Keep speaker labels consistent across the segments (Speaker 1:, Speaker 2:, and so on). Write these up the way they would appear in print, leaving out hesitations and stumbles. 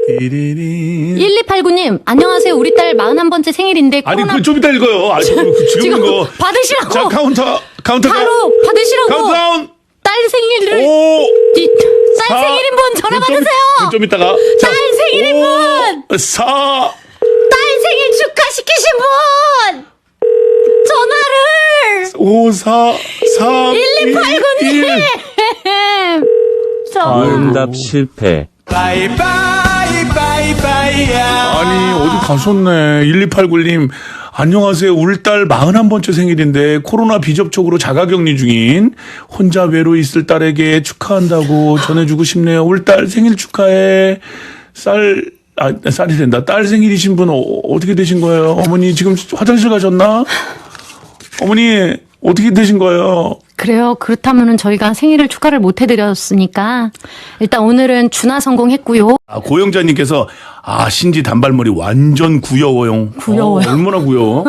Speaker 1: 1289님, 안녕하세요. 우리 딸 41번째 생일인데.
Speaker 2: 아니,
Speaker 1: 코로나...
Speaker 2: 그거 좀 이따 읽어요. 아니, 지금 이거.
Speaker 1: 받으시라고.
Speaker 2: 자, 카운터.
Speaker 1: 바로 받으시라고.
Speaker 2: 카운트다운.
Speaker 1: 딸 생일을.
Speaker 2: 5.
Speaker 1: 딸 생일인 분 전화 받으세요.
Speaker 2: 좀 이따가.
Speaker 1: 딸 생일인 분.
Speaker 2: 4.
Speaker 1: 딸 생일 축하시키신 분. 전화를.
Speaker 2: 5, 4, 3.
Speaker 1: 1289님.
Speaker 3: 응답 실패.
Speaker 2: 아니, 어디 가셨네. 1289님. 안녕하세요. 우리 딸 41번째 생일인데 코로나 비접촉으로 자가격리 중인 혼자 외로이 있을 딸에게 축하한다고 전해주고 싶네요. 우리 딸 생일 축하해. 쌀이 된다. 딸 생일이신 분 어떻게 되신 거예요? 어머니 지금 화장실 가셨나? 어머니 어떻게 되신 거예요?
Speaker 1: 그래요. 그렇다면은 저희가 생일을 축하를 못 해드렸으니까 일단 오늘은 준하 성공했고요.
Speaker 2: 고영자님께서 신지 단발머리 완전 구여워요.
Speaker 1: 구여워요.
Speaker 2: 얼마나 구여워?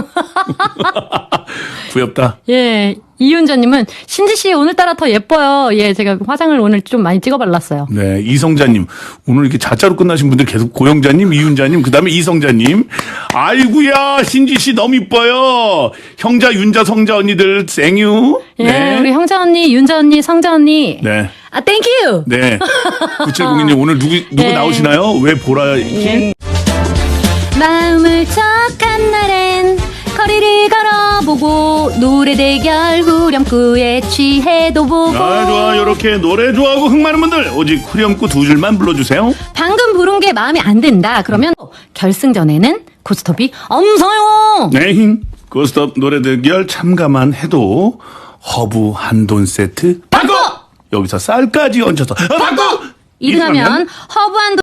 Speaker 2: 구엽다.
Speaker 1: 예, 이윤자님은 신지 씨 오늘따라 더 예뻐요. 예, 제가 화장을 오늘 좀 많이 찍어 발랐어요.
Speaker 2: 네, 이성자님 오늘 이렇게 자자로 끝나신 분들 계속 고영자님, 이윤자님, 그다음에 이성자님. 아이구야 신지 씨 너무 이뻐요. 형자, 윤자, 성자 언니들 생유.
Speaker 1: 예,
Speaker 2: 네.
Speaker 1: 우리 형자 언니, 윤자 언니, 성자 언니.
Speaker 2: 네.
Speaker 1: 땡큐.
Speaker 2: 네. 9702님 오늘 누구
Speaker 1: 네.
Speaker 2: 나오시나요? 왜 보라?
Speaker 1: 예. 마음을 척한 날엔 거리를 걸어보고 노래 대결 후렴구에 취해도 보고.
Speaker 2: 좋아. 이렇게 노래 좋아하고 흥 많은 분들 오직 후렴구 2줄만 불러주세요.
Speaker 1: 방금 부른 게 마음에 안 든다. 그러면 결승전에는 고스톱이 엄서요.
Speaker 2: 네. 고스톱 노래 대결 참가만 해도 허브 한돈 세트 바꿔. 여기서 쌀까지 얹혀서 바꿔.
Speaker 1: 2등하면 허브 한